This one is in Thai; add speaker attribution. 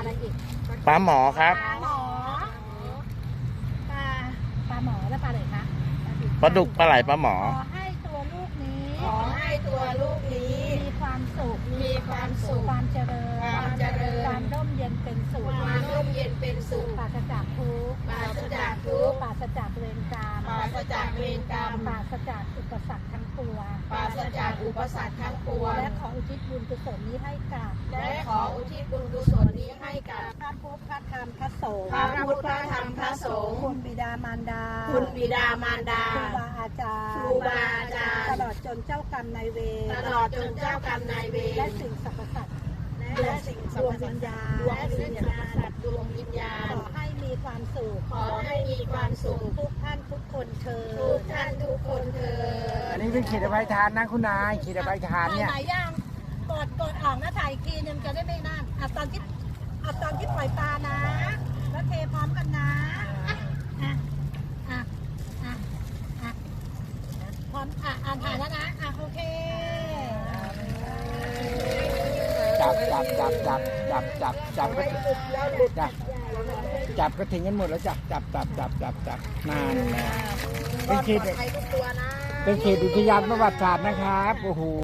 Speaker 1: อะไรอีก
Speaker 2: ปลาหมอครับ
Speaker 1: ปลาหมอปลาหมอแล้วปลาอะไรคะ
Speaker 2: ปลาดุกปลาไหลปลาหมอ
Speaker 1: ขอให้ตัวลูกนี้
Speaker 3: ขอให้ตัวลูกนี้
Speaker 1: มีความสุข
Speaker 3: มีความสุข
Speaker 1: ความเจริญ
Speaker 3: ความเจริญ
Speaker 1: ความร่มเย็นเป็นสุข
Speaker 3: ความร่มเย็นเป็นสุข
Speaker 1: ปราศจากทุกข์
Speaker 3: ปราศจากทุกข์
Speaker 1: ปราศจากเวรกรรม
Speaker 3: ปราศจากเวรกรรม
Speaker 1: ปราศจากอุปสรรคทั้งปวง
Speaker 3: ปราศจากอุปสรรคทั้งปวง
Speaker 1: และขออุทิศบุญกุศลนี้ให้กับ
Speaker 3: และขออุทิศบุญกุศลนี้ให้กับ
Speaker 1: พระพุทธพระธรรมพระสงฆ์
Speaker 3: พระพุทธพระธรรมพระสงฆ์
Speaker 1: คุณบิดามารดา
Speaker 3: คุณบิดามารดา
Speaker 1: ครูบาอาจารย์
Speaker 3: ครูบาอาจารย์
Speaker 1: ตลอดจนเจ้ากรรมนายเวร
Speaker 3: ตลอดจนเจ้ากรรมนายเวร
Speaker 1: และสิ่งสรรพสัตว์
Speaker 3: และสิ่งสรรพสัตว์
Speaker 1: ดวงวิญญาณ
Speaker 3: ดวงวิญญาณ
Speaker 1: ขอให้มีความสุข
Speaker 3: ขอให้มีความสุข
Speaker 1: ทุกท่านทุกคนเชิญ
Speaker 3: ทุกท่านทุกคนเถิด
Speaker 4: อันนี้เป็นขีดอภัยทานนะคุณนายขีดอภัยทานเนี่ย
Speaker 1: ถ่ายย่างกดออกนะถ่ายอีกทีนึงจะได้ไม่นั่นตอนที่ปล่อยปลานะ แล้วเทพร้อมกันนะอ่ะอ่ะอ่ะอ่ะพร้อมอ่านถ่ายแล้วนะโอเค
Speaker 4: จับก็จับก็ถึงกันหมดแล้วจับนานแล้วเป็นเขต
Speaker 3: ปลอดภัยทุกตัวนะ
Speaker 4: เป็นเขตอุทยานประวัติศาสตร์นะครับโอ้โห